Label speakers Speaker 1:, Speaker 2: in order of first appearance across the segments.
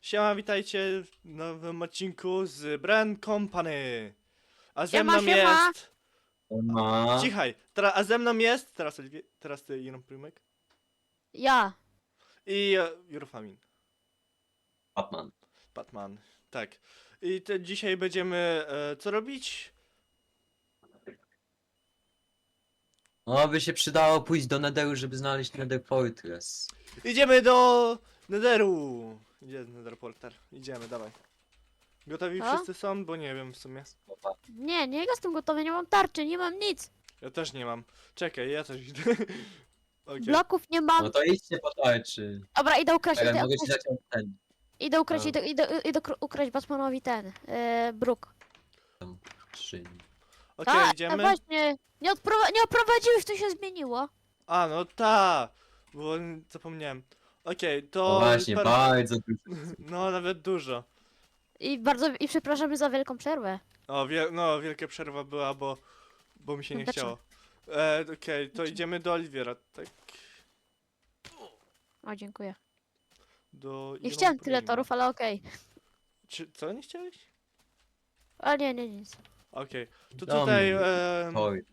Speaker 1: Siema, witajcie w nowym odcinku z Brand Company. A ze
Speaker 2: Siema,
Speaker 1: mną
Speaker 2: siema.
Speaker 1: jest...
Speaker 3: Ma.
Speaker 1: Cichaj, a ze mną jest... Teraz ty, Iron Prymek.
Speaker 2: Ja.
Speaker 1: I Jurofamin.
Speaker 3: Batman.
Speaker 1: Batman. Tak. I dzisiaj będziemy... co robić?
Speaker 3: No, by się przydało pójść do Netheru, żeby znaleźć Nether Fortress.
Speaker 1: Idziemy do Netheru. Gdzie Nether Portal? Idziemy, dawaj. Gotowi
Speaker 2: Co?
Speaker 1: wszyscy są? Bo nie wiem w sumie.
Speaker 2: Nie jestem gotowy, nie mam tarczy, nie mam nic.
Speaker 1: Ja też nie mam. Czekaj, ja też idę. Okej.
Speaker 2: Bloków nie mam.
Speaker 3: No to idźcie po tarczy.
Speaker 2: Dobra, idę ukraść,
Speaker 3: Ale
Speaker 2: idę
Speaker 3: mogę ci
Speaker 2: ukraść,
Speaker 3: zacząć ten.
Speaker 2: idę ukraść,
Speaker 3: A.
Speaker 2: idę ukraść Batmanowi ten, bruk.
Speaker 3: Szyń.
Speaker 1: Okej,
Speaker 2: No
Speaker 1: idziemy.
Speaker 2: właśnie, nie oprowadziłeś, to się zmieniło.
Speaker 1: A, no ta, bo zapomniałem. Okej, to...
Speaker 3: No właśnie, bardzo dużo.
Speaker 1: No, nawet dużo.
Speaker 2: I przepraszamy za wielką przerwę.
Speaker 1: O, no, wielka przerwa była, bo mi się nie
Speaker 2: Dlaczego?
Speaker 1: chciało. Okej, to idziemy do Oliwiera, tak?
Speaker 2: O, dziękuję.
Speaker 1: Do...
Speaker 2: Nie chciałem tyle
Speaker 1: Iron
Speaker 2: torów, ale okej.
Speaker 1: Co, nie chciałeś?
Speaker 2: A nie, nic.
Speaker 1: Okej, to
Speaker 3: Dom.
Speaker 1: tutaj...
Speaker 3: Oj,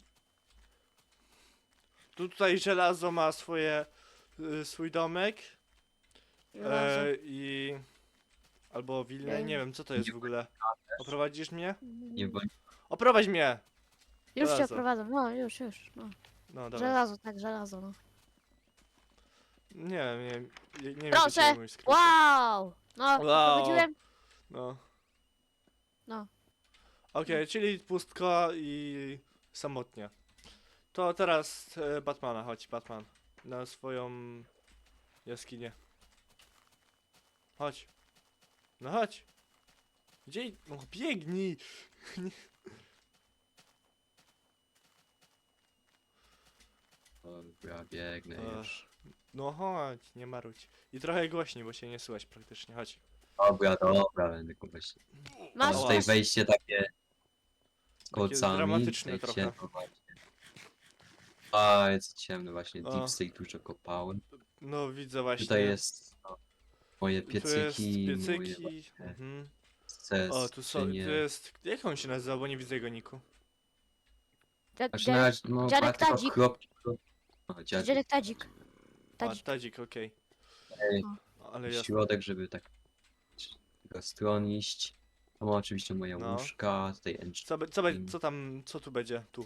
Speaker 1: tutaj żelazo ma swój domek.
Speaker 2: Żelazo.
Speaker 1: I... Albo willę, nie wiem, co to jest w ogóle. Oprowadzisz mnie?
Speaker 3: nie bądź.
Speaker 1: Oprowadź mnie!
Speaker 2: Już cię
Speaker 1: żelazo.
Speaker 2: oprowadzam, no już. No.
Speaker 1: No, dobra.
Speaker 2: Żelazo, tak, żelazo, no.
Speaker 1: Nie wiem,
Speaker 2: Proszę.
Speaker 1: jaki mój skrót.
Speaker 2: Wow! No,
Speaker 1: Wow.
Speaker 2: oprowadziłem.
Speaker 1: No.
Speaker 2: No.
Speaker 1: Okej, czyli pustka i samotnie. To teraz Batmana, chodź Batman. Na swoją jaskinię. Chodź. No chodź. Gdzie? No biegnij!
Speaker 3: Dobra, biegnę
Speaker 1: Ech.
Speaker 3: już.
Speaker 1: No chodź, nie marudź. I trochę głośniej, bo się nie słychać praktycznie, chodź.
Speaker 3: Dobra, będę kogoś.
Speaker 2: Masz
Speaker 3: Mam tutaj
Speaker 2: też.
Speaker 3: wejście takie z kolcami.
Speaker 1: dramatyczne
Speaker 3: tutaj
Speaker 1: trochę.
Speaker 3: ciemno właśnie. Bardzo ciemno właśnie,
Speaker 1: O.
Speaker 3: Deep State dużo kopałem.
Speaker 1: No widzę właśnie.
Speaker 3: Tutaj jest moje
Speaker 1: Tu jest
Speaker 3: piecyki, moje
Speaker 1: piecyki.
Speaker 3: właśnie
Speaker 1: Mhm.
Speaker 3: sesy.
Speaker 1: O, tu jest... Jak on się nazywa, bo nie widzę jego niku.
Speaker 3: Znaczy na razie, no,
Speaker 2: Dziadek
Speaker 3: ma tylko
Speaker 2: Tadzik.
Speaker 3: kropki. O,
Speaker 2: Dziadek Tadzik.
Speaker 1: A,
Speaker 2: Tadzik.
Speaker 1: Tadzik, okej.
Speaker 3: Ej,
Speaker 1: Ale jasne.
Speaker 3: środek, żeby tak tego stron iść. To ma oczywiście moje
Speaker 1: No.
Speaker 3: łóżka, tutaj
Speaker 1: Co tu będzie? Tu.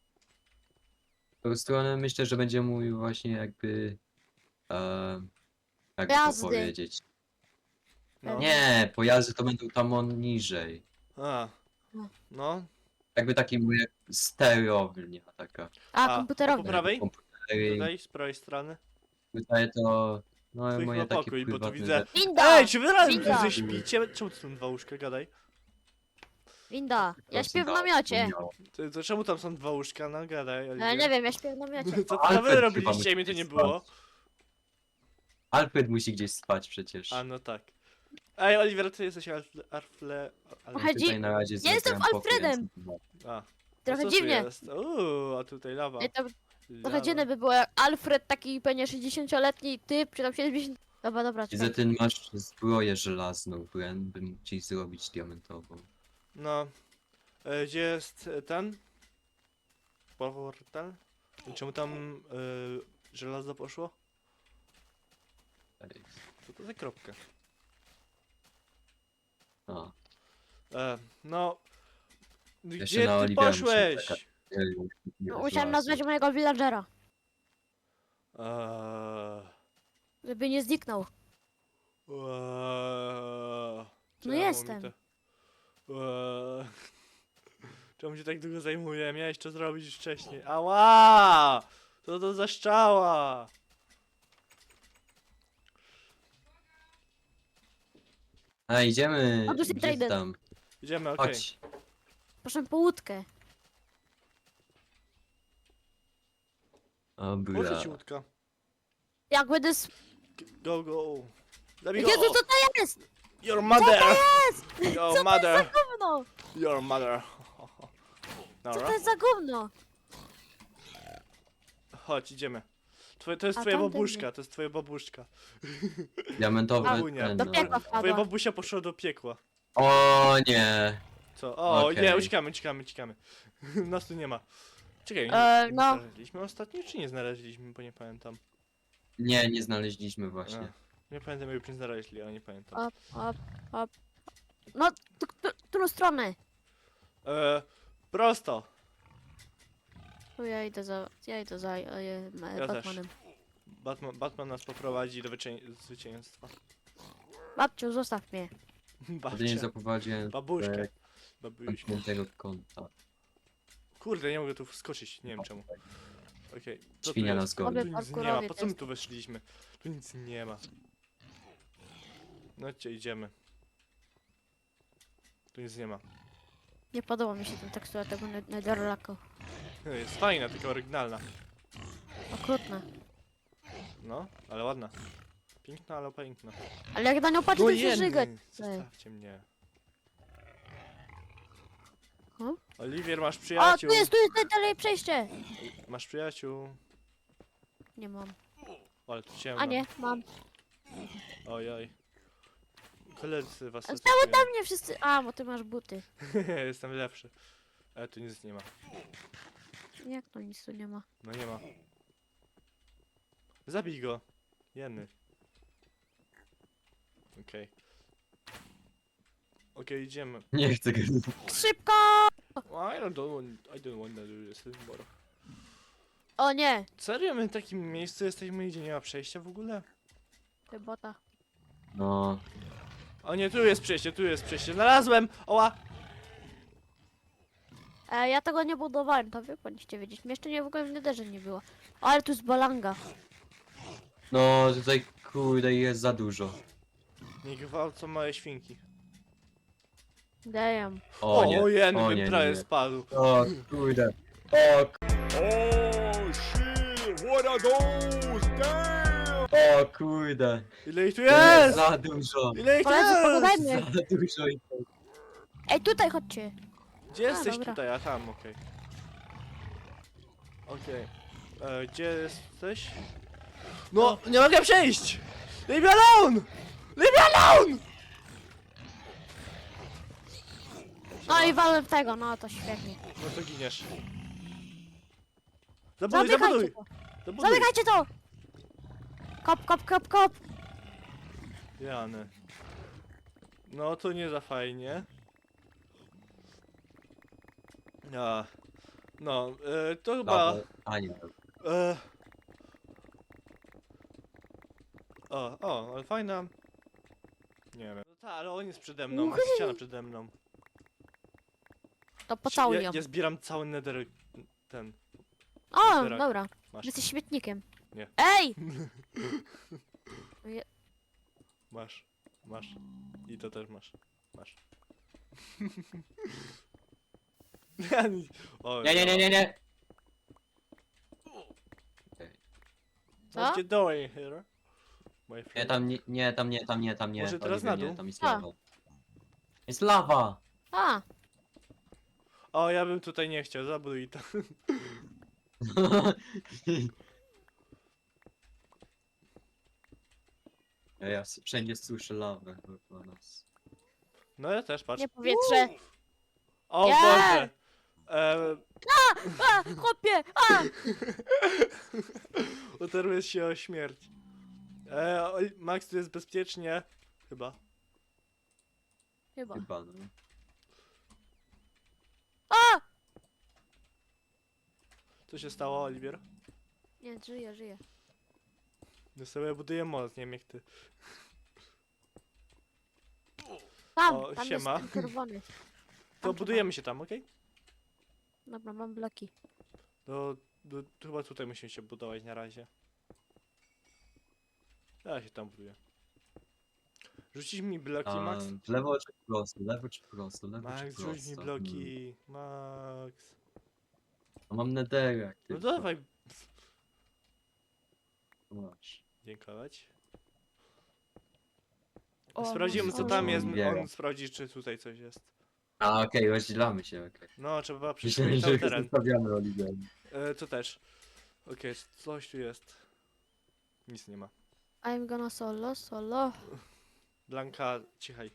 Speaker 3: tą stronę myślę, że będzie mój właśnie jakby jak to
Speaker 2: Gwiazdy.
Speaker 3: powiedzieć.
Speaker 1: No.
Speaker 3: Nie, pojazdy to będą tam niżej.
Speaker 1: A.
Speaker 2: No.
Speaker 1: No.
Speaker 3: Jakby taki mój jak sterownia taka.
Speaker 2: A,
Speaker 1: A, po
Speaker 2: komputerowy.
Speaker 1: prawej?
Speaker 3: Komputery.
Speaker 1: Tutaj, z prawej strony.
Speaker 3: Tutaj to no
Speaker 1: Twój
Speaker 3: moje
Speaker 1: chyba
Speaker 3: takie
Speaker 1: pokój, bo tu
Speaker 3: prywatne
Speaker 1: widzę...
Speaker 3: rzeczy.
Speaker 2: Winda!
Speaker 1: Ej, czy wy razem
Speaker 2: Winda.
Speaker 1: tu śpicie? Czemu tu są dwa łóżka, gadaj?
Speaker 2: Winda. Ja
Speaker 3: Proszę,
Speaker 2: śpię w
Speaker 3: da-
Speaker 2: namiocie.
Speaker 1: To czemu tam są dwa łóżka? No gadaj.
Speaker 2: Ja nie wiem, ja śpię w namiocie.
Speaker 1: Co
Speaker 3: Alfred
Speaker 1: wy
Speaker 3: chyba
Speaker 1: robiliście
Speaker 3: musi
Speaker 1: i mnie to nie
Speaker 3: gdzieś
Speaker 1: było?
Speaker 3: spać. Alfred musi gdzieś spać przecież.
Speaker 1: A, no tak. Ej, Oliver, ty jesteś
Speaker 2: Chodzi-
Speaker 3: Tutaj na razie
Speaker 2: Ja jestem
Speaker 3: zrobiłem pokój,
Speaker 2: Alfredem.
Speaker 3: więc-
Speaker 1: A,
Speaker 2: Trochę
Speaker 1: co tu
Speaker 2: dziwnie.
Speaker 1: jest? A tutaj lawa.
Speaker 2: Nie, to
Speaker 1: Lawa.
Speaker 2: trochę dziwne by było, jak Alfred, taki pewnie 60-letni typ, czy tam 70... Dobra,
Speaker 3: Widzę,
Speaker 2: czekaj.
Speaker 3: ty masz zbroję żelazną, Bren, bym ci zrobić diamentową.
Speaker 1: No. Gdzie jest ten? Portal? I czemu tam żelazo poszło?
Speaker 3: Ej,
Speaker 1: Co to za kropka?
Speaker 3: a,
Speaker 1: No.
Speaker 3: Jeszcze
Speaker 1: Gdzie
Speaker 3: na
Speaker 1: ty
Speaker 3: Olivera
Speaker 1: poszłeś?
Speaker 3: muszę czekać.
Speaker 2: No, musiałem nazwać mojego villagera, żeby nie zniknął.
Speaker 1: Czemu
Speaker 2: jestem.
Speaker 1: mi to- Czemu się tak długo zajmuje? Miałeś to zrobić już wcześniej. Ała! Co to za szczała?
Speaker 3: A, idziemy,
Speaker 2: O, tu jest
Speaker 3: gdzie
Speaker 2: Trident.
Speaker 3: tam?
Speaker 1: Idziemy, okej.
Speaker 3: Chodź.
Speaker 2: Proszę po łódkę.
Speaker 1: Muszę ci
Speaker 3: Dobra.
Speaker 1: łódka.
Speaker 2: Jak będę...
Speaker 1: Go, go. Zabij go.
Speaker 2: Jezu, co to jest?
Speaker 1: Your mother!
Speaker 2: Co
Speaker 1: Your
Speaker 2: to
Speaker 1: mother!
Speaker 2: jest za gówno?
Speaker 1: Your mother!
Speaker 2: Co
Speaker 1: Dobra,
Speaker 2: to jest za gówno?
Speaker 1: chodź, idziemy. To jest
Speaker 2: A
Speaker 1: twoja
Speaker 2: tamten
Speaker 1: babuszka, to jest twoja babuszka.
Speaker 3: Diamentowy
Speaker 1: Babunia.
Speaker 3: ten,
Speaker 2: Do
Speaker 3: no.
Speaker 2: piekła
Speaker 1: Twoja
Speaker 2: wpadła.
Speaker 1: babusia poszła do piekła.
Speaker 3: O nie.
Speaker 1: Co? O,
Speaker 3: Okej.
Speaker 1: nie, uciekamy. Nas tu nie ma. Czekaj,
Speaker 2: No.
Speaker 1: znaleźliśmy ostatnio, czy nie znaleźliśmy, bo nie pamiętam.
Speaker 3: Nie znaleźliśmy właśnie.
Speaker 1: A, nie pamiętam, jakby nie znaleźli, ale nie pamiętam.
Speaker 2: Op. No, którą stronę?
Speaker 1: Prosto.
Speaker 2: Tu ja idę za
Speaker 1: Ja też.
Speaker 2: Batmanem.
Speaker 1: Batman nas poprowadzi do zwycięstwa.
Speaker 2: Babciu, zostaw mnie.
Speaker 3: Wtedy nie
Speaker 1: Babcia.
Speaker 3: zaprowadziłem
Speaker 1: Babuszkę. Babuśkę.
Speaker 3: zamkniętego konta.
Speaker 1: Kurde, nie mogę tu wskoczyć, nie wiem czemu. Okej. Co tu
Speaker 3: Świnia
Speaker 1: jest?
Speaker 3: nas goni.
Speaker 1: Tu nic nie ma,
Speaker 2: Parkurowiec
Speaker 1: po co my
Speaker 2: jest.
Speaker 1: tu weszliśmy? Tu nic nie ma. No gdzie idziemy? Tu nic nie ma.
Speaker 2: Nie podoba mi się ten tekstura tego Netherlacku.
Speaker 1: Jest fajna, tylko oryginalna.
Speaker 2: Okrutna.
Speaker 1: No, ale ładna. Piękna, ale piękna.
Speaker 2: Ale jak na nią patrzę, to się
Speaker 1: jeny,
Speaker 2: żygać.
Speaker 1: zostawcie mnie.
Speaker 2: Hmm?
Speaker 1: Oliwier, masz
Speaker 2: O,
Speaker 1: przyjaciół.
Speaker 2: tu jest dalej przejście.
Speaker 1: Masz przyjaciół.
Speaker 2: Nie mam.
Speaker 1: Ale tu ciemno.
Speaker 2: A nie, mam.
Speaker 1: Ojoj. Koledzy was
Speaker 2: Stały
Speaker 1: atakują.
Speaker 2: tam mnie wszyscy. A, bo ty masz buty.
Speaker 1: Jestem lepszy. Ale tu nic nie ma.
Speaker 2: Jak to nic tu nie ma?
Speaker 1: No nie ma. Zabij go. Jeny. Okej. Okej, idziemy.
Speaker 3: Nie chcę go.
Speaker 2: Szybko!
Speaker 1: I don't want to do this anymore.
Speaker 2: O nie!
Speaker 1: Serio, my w takim miejscu jesteśmy, gdzie nie ma przejścia w ogóle?
Speaker 2: Ty bota.
Speaker 3: No.
Speaker 1: O nie, tu jest przejście. Znalazłem! Oła!
Speaker 2: Ja tego nie budowałem, to wy powinniście wiedzieć. Mnie jeszcze nie w ogóle w Netherze nie było. Ale tu jest balanga.
Speaker 3: No tutaj kurde jest za dużo.
Speaker 1: Nie gwałcą małe świnki.
Speaker 2: Damn.
Speaker 3: O nie.
Speaker 1: jeny,
Speaker 3: o
Speaker 1: bym
Speaker 3: nie,
Speaker 1: prawie
Speaker 3: nie.
Speaker 1: spadł.
Speaker 3: O kurde. O,
Speaker 4: Oh shit, what are those? Damn!
Speaker 3: o kurde.
Speaker 1: Ile ich tu
Speaker 3: To jest
Speaker 1: jest?
Speaker 3: za dużo.
Speaker 1: Ile ich tu
Speaker 2: Koledzy,
Speaker 1: jest?
Speaker 2: pogadajmy.
Speaker 3: Za dużo i to.
Speaker 2: Ej, tutaj chodźcie.
Speaker 1: Gdzie jesteś
Speaker 2: dobra.
Speaker 1: tutaj? A tam, okej. Okej. Gdzie jesteś? No, nie mogę przejść! Leave me alone! Leave me alone!
Speaker 2: No i walłem w tego, no to świetnie.
Speaker 1: No to giniesz. Zabuduj!
Speaker 2: Zamykajcie to!
Speaker 1: Zabuduj!
Speaker 2: Zamykajcie to! Kop!
Speaker 1: Jany. No to nie za fajnie. A. No, to chyba...
Speaker 3: Dobra. A nie.
Speaker 1: E... ale fajna. Nie wiem. No tak, ale on jest przede mną, jest ściana przede mną.
Speaker 2: To pocałuj
Speaker 1: ja,
Speaker 2: ją.
Speaker 1: ja zbieram cały nether... ten...
Speaker 2: O,
Speaker 1: zbierak.
Speaker 2: dobra.
Speaker 1: Masz,
Speaker 2: Jesteś śmietnikiem.
Speaker 1: Nie.
Speaker 2: Ej!
Speaker 1: masz. I to też masz. Masz. O,
Speaker 3: Nie.
Speaker 1: What you doing here? My
Speaker 3: Nie,
Speaker 1: friend?
Speaker 3: tam nie.
Speaker 1: Może teraz
Speaker 3: Oliver,
Speaker 1: na dół?
Speaker 3: nie, tam jest
Speaker 2: A.
Speaker 3: lawa. Jest lawa!
Speaker 2: A,
Speaker 1: O, ja bym tutaj nie chciał, zabuduj to.
Speaker 3: Ja wszędzie słyszę lawę chyba nas.
Speaker 1: No ja też, patrz.
Speaker 2: nie powietrze.
Speaker 1: O
Speaker 2: Nie!
Speaker 1: Boże!
Speaker 2: A, chłopie! A!
Speaker 1: Utarłem się o śmierć. Max, tu jest bezpiecznie. Chyba.
Speaker 2: Chyba.
Speaker 3: Chyba no.
Speaker 2: A!
Speaker 1: Co się stało, Oliwier?
Speaker 2: Nie, żyję.
Speaker 1: No sobie buduję most, nie wiem jak ty.
Speaker 2: Tam,
Speaker 1: O,
Speaker 2: tam
Speaker 1: siema.
Speaker 2: jest ten czerwony.
Speaker 1: To
Speaker 2: Tam
Speaker 1: budujemy się tam, okej?
Speaker 2: Dobra, mam bloki.
Speaker 1: To chyba tutaj musimy się budować na razie. Ja się tam buduję. Rzucić mi bloki,
Speaker 3: A,
Speaker 1: Max?
Speaker 3: w lewo czy w prosto, lewo czy prosto, lewo czy
Speaker 1: Max,
Speaker 3: prosto.
Speaker 1: rzuć mi bloki. Max.
Speaker 3: No mam nederek.
Speaker 1: No
Speaker 3: tylko.
Speaker 1: dawaj.
Speaker 3: Masz.
Speaker 1: Dziękować.
Speaker 2: O,
Speaker 1: Sprawdzimy
Speaker 2: masz-
Speaker 1: co
Speaker 2: o,
Speaker 1: tam
Speaker 2: no.
Speaker 1: jest,
Speaker 3: Zbieram.
Speaker 1: on sprawdzi czy tutaj coś jest.
Speaker 3: A okej, rozdzielamy się, okej.
Speaker 1: No, trzeba
Speaker 3: Myślałem,
Speaker 1: przyszukać
Speaker 3: że
Speaker 1: cały teren.
Speaker 3: zostawiamy Oliver.
Speaker 1: To też. Okej, coś tu jest. Nic nie ma.
Speaker 2: I'm gonna solo.
Speaker 1: Blanka, cichaj.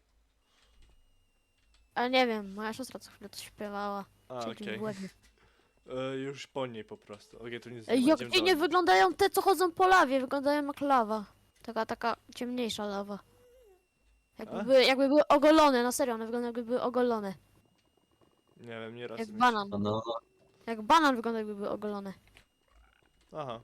Speaker 2: Ale nie wiem, moja siostra co chwilę to śpiewała.
Speaker 1: A,
Speaker 2: Siedzi
Speaker 1: okej.
Speaker 2: w głowie.
Speaker 1: Już po niej po prostu. Okej, tu nic nie
Speaker 2: Ej,
Speaker 1: ma,
Speaker 2: jak
Speaker 1: idziemy
Speaker 2: dziwnie
Speaker 1: dalej.
Speaker 2: wyglądają te, co chodzą po lawie. Wyglądają jak lawa. Taka ciemniejsza lawa.
Speaker 1: A?
Speaker 2: Jakby były ogolone, na serio, one wyglądają jakby były ogolone.
Speaker 1: Nie wiem, nie raz.
Speaker 2: Jak
Speaker 1: mi się-
Speaker 2: banan.
Speaker 3: No,
Speaker 2: Jak banan wygląda jakby były ogolone.
Speaker 1: Aha.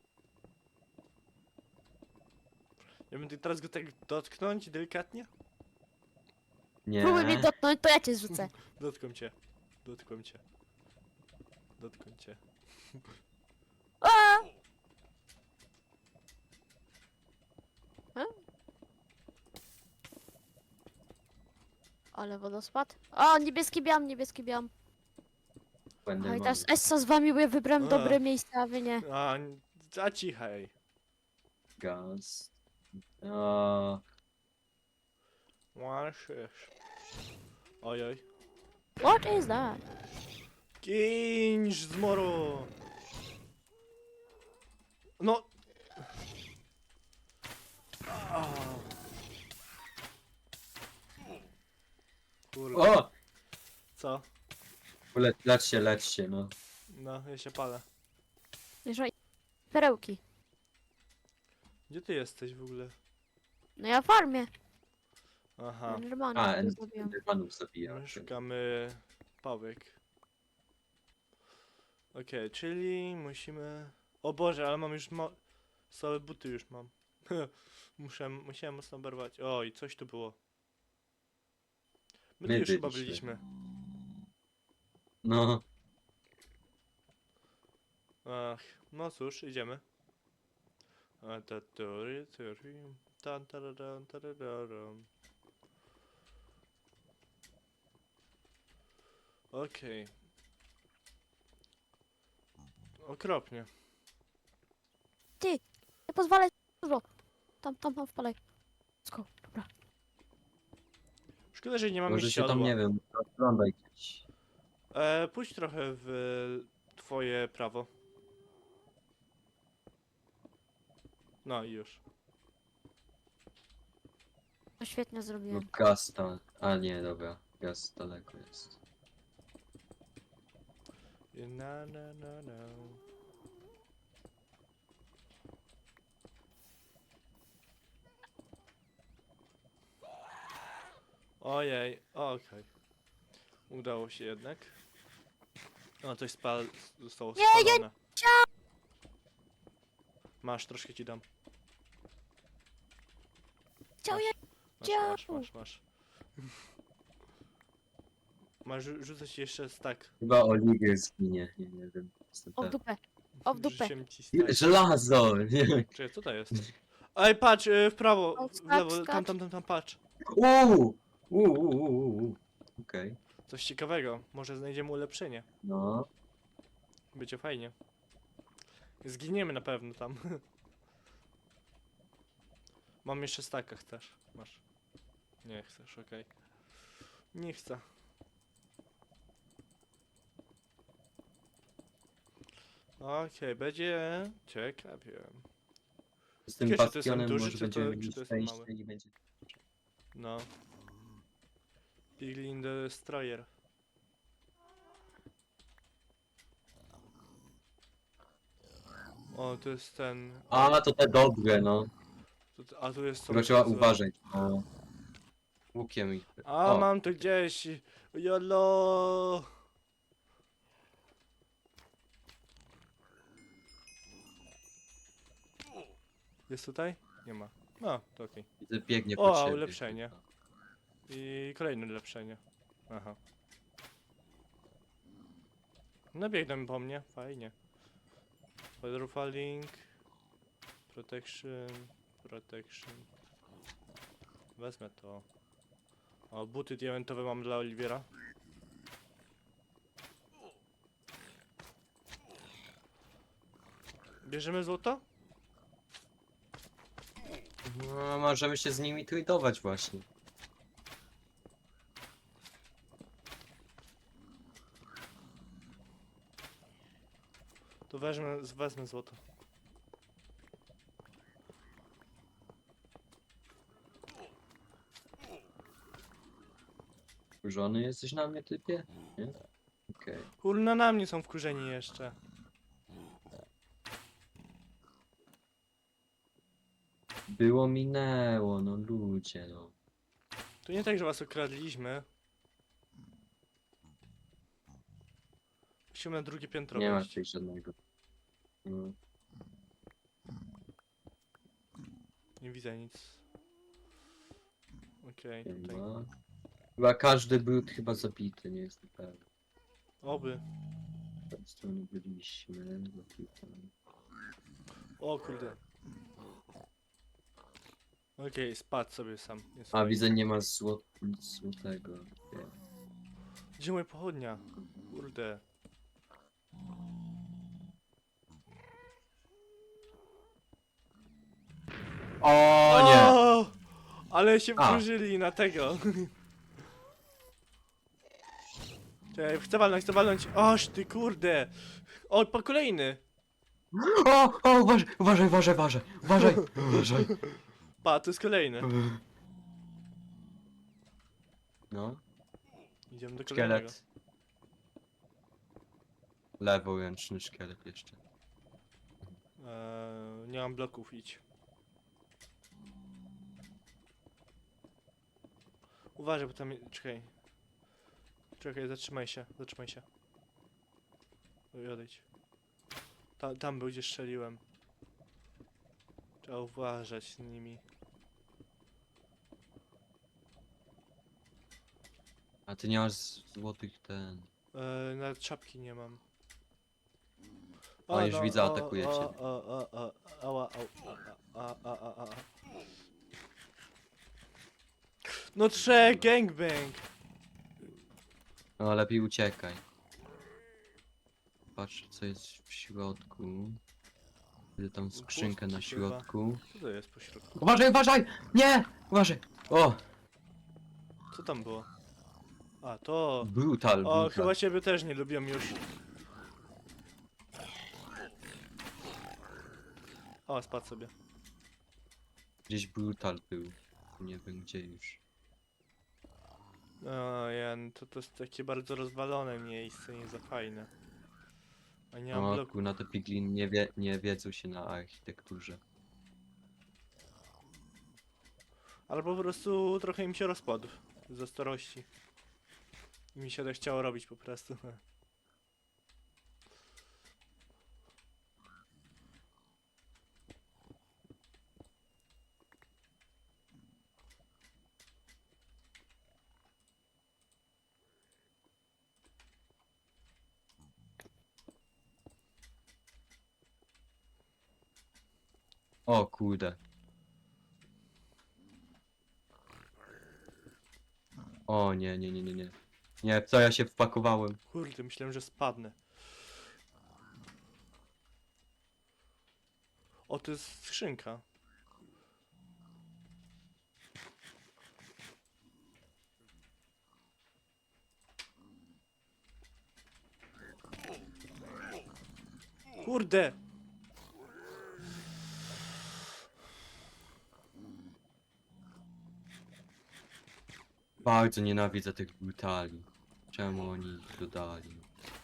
Speaker 1: Ja będę teraz go tak dotknąć delikatnie?
Speaker 3: nie.
Speaker 2: Próbuj mnie dotknąć, to ja cię zrzucę.
Speaker 1: Dotkłem cię. Dotkłem cię. Dotkłem cię.
Speaker 2: A! Ale wodospad. O, niebieski biam, niebieski biam.
Speaker 3: Będę
Speaker 2: Oj,
Speaker 3: mógł.
Speaker 2: teraz Essa z wami, bo ja wybrałem
Speaker 1: A.
Speaker 2: dobre miejsce, a wy nie.
Speaker 1: A cichaj.
Speaker 3: Gaz. O,
Speaker 1: Łaszysz. Ojoj.
Speaker 2: What is that?
Speaker 1: Kinż z moru! No! A. Kurde.
Speaker 3: o!
Speaker 1: Co?
Speaker 3: Lecz się, no.
Speaker 1: No, ja się palę.
Speaker 2: Jeżeli... Perełki.
Speaker 1: Gdzie ty jesteś w ogóle?
Speaker 2: No ja farmię.
Speaker 1: Aha.
Speaker 2: Normalnie
Speaker 3: A,
Speaker 2: sobie zrobiłem.
Speaker 3: Endermanów zabija.
Speaker 1: My szukamy pałek. Okej, czyli musimy... O Boże, ale mam już całe buty już mam. Musiałem mocno oberwać. Oj, coś tu było. My tu
Speaker 3: My
Speaker 1: już chyba
Speaker 3: byliśmy.
Speaker 1: byliśmy.
Speaker 3: No,
Speaker 1: Ach, no cóż, idziemy. A, ta, tury, tury, tan, tararam, tarararam. Okej. Okropnie.
Speaker 2: Nie pozwalaj dużo. Tam wpalaj. Let's dobra.
Speaker 1: Szkoda, że nie mamy
Speaker 3: może się
Speaker 1: siodła.
Speaker 3: tam, nie wiem, oglądaj gdzieś.
Speaker 1: Pójdź trochę w twoje prawo. No i już.
Speaker 2: To świetnie
Speaker 3: No
Speaker 2: zrobiłem.
Speaker 3: gaz tam. A nie, dobra. Gaz daleko jest.
Speaker 1: Na, na, na, na. Ojej, okej. Udało się jednak. O, coś zostało
Speaker 2: Nie, ja
Speaker 1: spalone. Masz, troszkę ci dam.
Speaker 2: Chciał
Speaker 1: Masz,
Speaker 2: je...
Speaker 1: masz,
Speaker 2: chciał.
Speaker 1: masz. Masz, rzucę ci jeszcze stack.
Speaker 3: Chyba Oliwier zginie, nie wiem. Jestem
Speaker 2: O w
Speaker 3: pewien.
Speaker 2: dupę. O w dupę.
Speaker 1: Rzuciłem ci stack.
Speaker 3: Żelazo! Nie.
Speaker 1: Czekaj, co to jest? Ej, patrz, w prawo,
Speaker 2: O,
Speaker 1: w lewo,
Speaker 2: skacz.
Speaker 1: tam, patrz.
Speaker 3: Okej.
Speaker 1: Coś ciekawego, może znajdziemy ulepszenie.
Speaker 3: No.
Speaker 1: Będzie fajnie. Zginiemy na pewno tam. Mam jeszcze staka, chcesz? Masz. Nie chcesz, okej. Nie chcę. Okej, będzie ciekawie.
Speaker 3: Z tym
Speaker 1: Ciekawe, czy to jest ten
Speaker 3: bastionem
Speaker 1: duży,
Speaker 3: może
Speaker 1: czy to-
Speaker 3: będziemy
Speaker 1: czy
Speaker 3: mieli
Speaker 1: to jest ten
Speaker 3: szczęście
Speaker 1: mały?
Speaker 3: i będzie...
Speaker 1: No. Piglin Destroyer. O, to jest ten...
Speaker 3: A, to te dobre, no.
Speaker 1: A tu jest
Speaker 3: Tylko
Speaker 1: co
Speaker 3: trzeba
Speaker 1: złe.
Speaker 3: uważać. No. Łukiem ich.
Speaker 1: A,
Speaker 3: O.
Speaker 1: mam to gdzieś. Jolo. Jest tutaj? Nie ma. No, to okej.
Speaker 3: Widzę, biegnie
Speaker 1: O,
Speaker 3: po ciebie.
Speaker 1: ulepszenie. I kolejne ulepszenie. Aha. No biegną po mnie, fajnie. Falling. Protection. Wezmę to. O, buty diamentowe mam dla Oliwiera. Bierzemy złoto?
Speaker 3: No, możemy się z nimi tradować właśnie.
Speaker 1: To wezmę złoto.
Speaker 3: Wkurzony jesteś na mnie, typie? Nie? Okej.
Speaker 1: Kurna, na mnie są wkurzeni jeszcze.
Speaker 3: Było minęło, no ludzie, no.
Speaker 1: To nie tak, że was okradliśmy. Musimy na drugie piętro
Speaker 3: Nie ma
Speaker 1: wejść.
Speaker 3: tutaj żadnego. No.
Speaker 1: Nie widzę nic. Okej, tutaj.
Speaker 3: Chyba. Chyba każdy brud chyba zabity, nie jestem pewien.
Speaker 1: Oby.
Speaker 3: Z tej strony byliśmy, zabity.
Speaker 1: O kurde. Okej, spadł sobie sam. Jest
Speaker 3: A
Speaker 1: fajnie.
Speaker 3: widzę, nie ma nic złotego. Nie.
Speaker 1: Gdzie moja pochodnia? Kurde.
Speaker 3: O nie!
Speaker 1: O! Ale się
Speaker 3: A.
Speaker 1: wkurzyli na tego. Czekaj, chcę walnąć. Oż ty kurde. O, po kolejny.
Speaker 3: O, uważaj, uważaj, uważaj, uważaj, uważaj, uważaj.
Speaker 1: Pa, to jest kolejny.
Speaker 3: No,
Speaker 1: Idziemy do kolejnego.
Speaker 3: szkielet. Leworęczny szkielet jeszcze.
Speaker 1: Nie mam bloków, idź. Uważaj, bo tam... Czekaj. Czekaj, zatrzymaj się, zatrzymaj się. Oj, odejdź. Tam był, gdzie strzeliłem. Trzeba uważać z nimi.
Speaker 3: A ty nie masz złotych ten.
Speaker 1: Nawet czapki nie mam.
Speaker 3: O, już widzę, atakuje cię.
Speaker 1: Ała, a. No gangbang!
Speaker 3: No lepiej uciekaj. Patrz co jest w środku. Widzę tam skrzynkę na
Speaker 1: Pustki chyba.
Speaker 3: środku.
Speaker 1: Co to jest po środku?
Speaker 3: Uważaj, uważaj! Nie! Uważaj! O!
Speaker 1: Co tam było? A, to...
Speaker 3: Brutal,
Speaker 1: O,
Speaker 3: brutal.
Speaker 1: chyba ciebie też nie lubią już. O, spadł sobie.
Speaker 3: Gdzieś brutal był. Nie wiem gdzie już.
Speaker 1: O, Jan, to jest takie bardzo rozwalone miejsce, nie za fajne. A nie mam
Speaker 3: O
Speaker 1: bloku.
Speaker 3: kurna, te piglin nie wiedzą się na architekturze.
Speaker 1: Albo po prostu trochę im się rozpadł. Ze starości. I mi się tak chciało robić po prostu.
Speaker 3: O kurde. O nie, nie, nie, nie, nie. Nie, w co ja się wpakowałem?
Speaker 1: Kurde, myślałem, że spadnę. O, to jest skrzynka. Kurde!
Speaker 3: Bardzo nienawidzę tych brutali. Czemu oni ich dodali?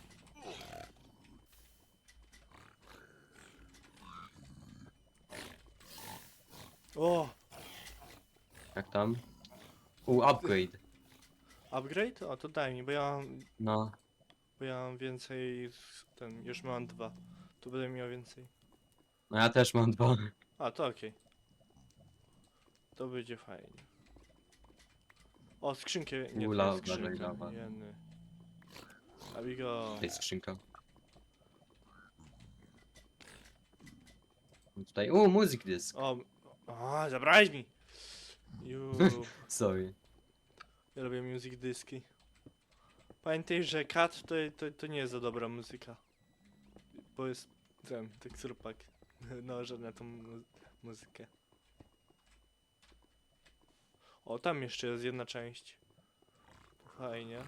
Speaker 1: O!
Speaker 3: Jak tam? Upgrade.
Speaker 1: Upgrade? O, to daj mi,
Speaker 3: No.
Speaker 1: bo ja mam więcej... już mam 2. Tu będę miał więcej.
Speaker 3: No ja też mam 2.
Speaker 1: A, to okej. To będzie fajnie. O, skrzynkę... Nie, to
Speaker 3: Ula,
Speaker 1: jest skrzynka.
Speaker 3: uważaj, lawa.
Speaker 1: Jeny. Abigo.
Speaker 3: To jest skrzynka. Tutaj, music disc.
Speaker 1: O, zabrałeś mi! Ju,
Speaker 3: Sorry.
Speaker 1: ja lubię music dyski. Pamiętaj, że kat to nie jest za dobra muzyka. Bo jest ten, teksturpak nałożony na tą muzykę. O, tam jeszcze jest jedna część. Fajnie.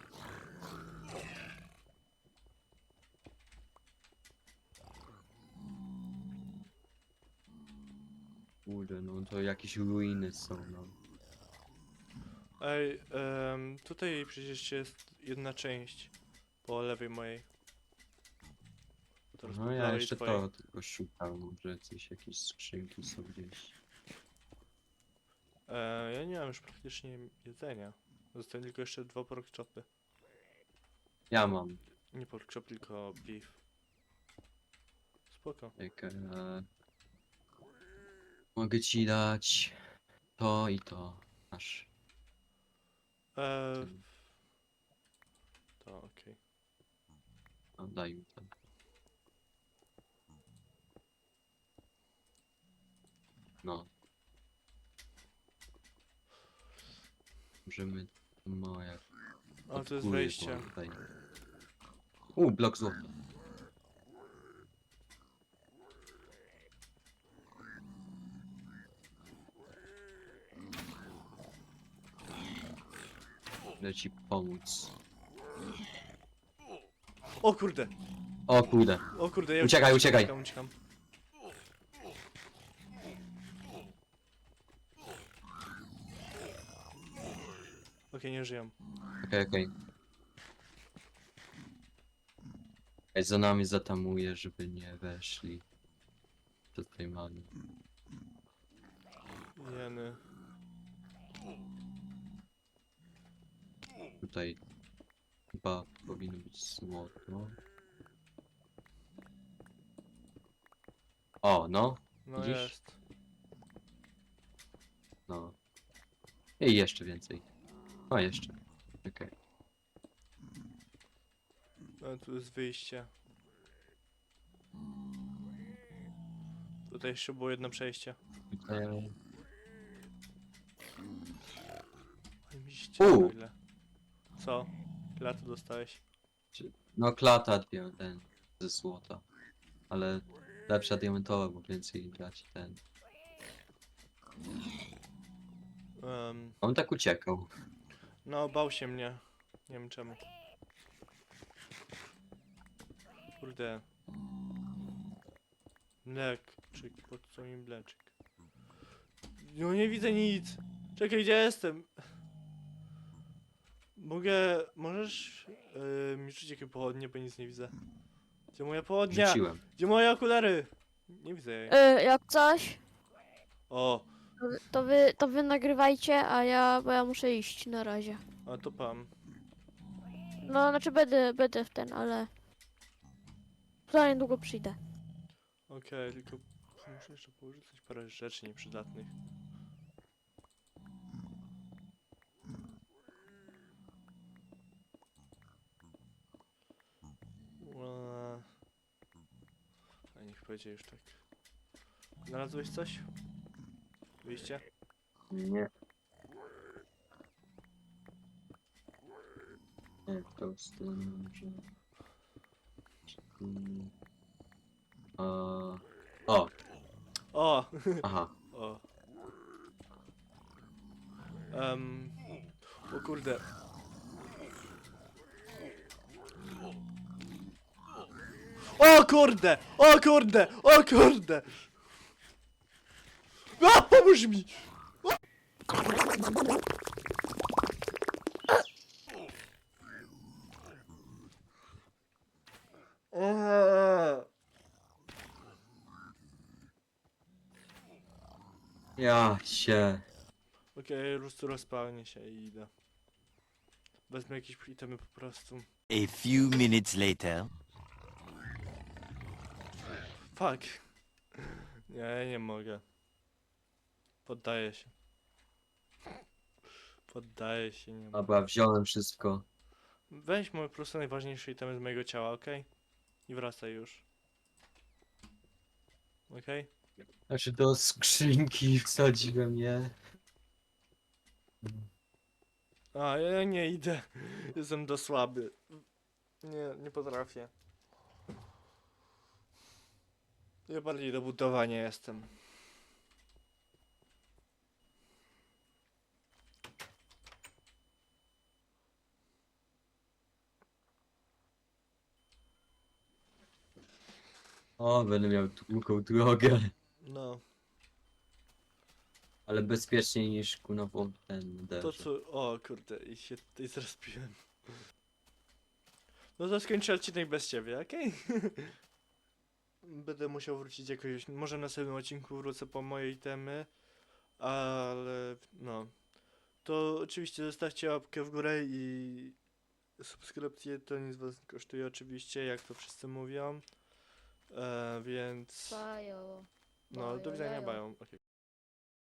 Speaker 3: Kurde, no to jakieś ruiny są, no.
Speaker 1: Ej, tutaj przecież jest jedna część po lewej mojej. Teraz po
Speaker 3: No ja
Speaker 1: prawej
Speaker 3: jeszcze
Speaker 1: twojej.
Speaker 3: to tylko szukam, może coś, jakieś skrzynki są gdzieś.
Speaker 1: Ja nie mam już praktycznie jedzenia. Zostały tylko jeszcze 2 pork chopy.
Speaker 3: Ja mam.
Speaker 1: Nie pork chop, tylko beef. Spoko.
Speaker 3: Jak, mogę ci dać to i to. Masz.
Speaker 1: Eee, to okej.
Speaker 3: No, daj mi to. No. Możemy... No jak...
Speaker 1: A,
Speaker 3: od
Speaker 1: to jest
Speaker 3: góry,
Speaker 1: wejście.
Speaker 3: bo tutaj- blok złota. Chcę ci pomóc.
Speaker 1: O kurde!
Speaker 3: O kurde.
Speaker 1: O kurde, ja
Speaker 3: Uciekaj,
Speaker 1: uciekam,
Speaker 3: uciekaj.
Speaker 1: uciekam. Okej, nie żyją.
Speaker 3: Okej, okej. Ej, za nami zatamuje, żeby nie weszli. Do tej mamy.
Speaker 1: Jeny.
Speaker 3: Tutaj chyba powinno być złoto. O, no,
Speaker 1: No
Speaker 3: Widzisz?
Speaker 1: jest.
Speaker 3: no. I jeszcze więcej. O, jeszcze. Okej.
Speaker 1: No, tu jest wyjście. Tutaj jeszcze było jedno przejście.
Speaker 3: Tutaj...
Speaker 1: Oj, mi się ścięło
Speaker 3: U.
Speaker 1: ile. Co? Ile tu dostałeś?
Speaker 3: No, klata ten ze złota. Ale lepsza diamentowa, bo więcej dać ten. On tak uciekał.
Speaker 1: No, bał się mnie. Nie wiem czemu. Kurde. Mleczek, po co mi mleczek? No nie widzę nic! Czekaj, gdzie jestem? Możesz mi rzucić jakie pochodnie, bo nic nie widzę. Gdzie moja pochodnia?
Speaker 3: Rzuciłem.
Speaker 1: Gdzie moje okulary? Nie widzę jej.
Speaker 2: Jak coś,
Speaker 1: O,
Speaker 2: to wy nagrywajcie, bo ja muszę iść na razie.
Speaker 1: a to pan.
Speaker 2: No, znaczy będę w ten, ale... Za niedługo przyjdę.
Speaker 1: Okej, tylko muszę jeszcze porzucić parę rzeczy nieprzydatnych. A niech będzie już tak. Znalazłeś coś? Wyjście?
Speaker 3: Nie. Nie, w tą stronę może... O,
Speaker 1: O!
Speaker 3: aha.
Speaker 1: O. O kurde. O kurde! O kurde! O kurde! A, pomóż mi!
Speaker 3: Ja się...
Speaker 1: Okej, rozpalnie się i idę. Wezmę jakieś itemy po prostu.
Speaker 5: A few minutes later.
Speaker 1: Fuck. Nie, nie mogę. Poddaję się. Poddaję się, nie mogę.
Speaker 3: Dobra, wziąłem wszystko.
Speaker 1: Weź po prostu najważniejsze itemy z mojego ciała, okej? I wracaj już. Okej?
Speaker 3: Znaczy do skrzynki wsadziłem je.
Speaker 1: A, ja nie idę. Jestem do słaby. Nie potrafię. Ja bardziej do budowania jestem.
Speaker 3: O, będę miał długą drogę.
Speaker 1: No.
Speaker 3: Ale bezpieczniej niż kunową ten
Speaker 1: To
Speaker 3: derze.
Speaker 1: co... O kurde, i się tutaj zrespiłem. No to skończę odcinek bez ciebie, okej? Będę musiał wrócić jakoś... Może na następnym odcinku wrócę po moje itemy. Ale... no... To oczywiście zostawcie łapkę w górę i... subskrypcję, to nic was nie kosztuje oczywiście, jak to wszyscy mówią. Więc...
Speaker 2: Bajo.
Speaker 1: No, do widzenia,
Speaker 2: Bajo,
Speaker 1: bają. Okej.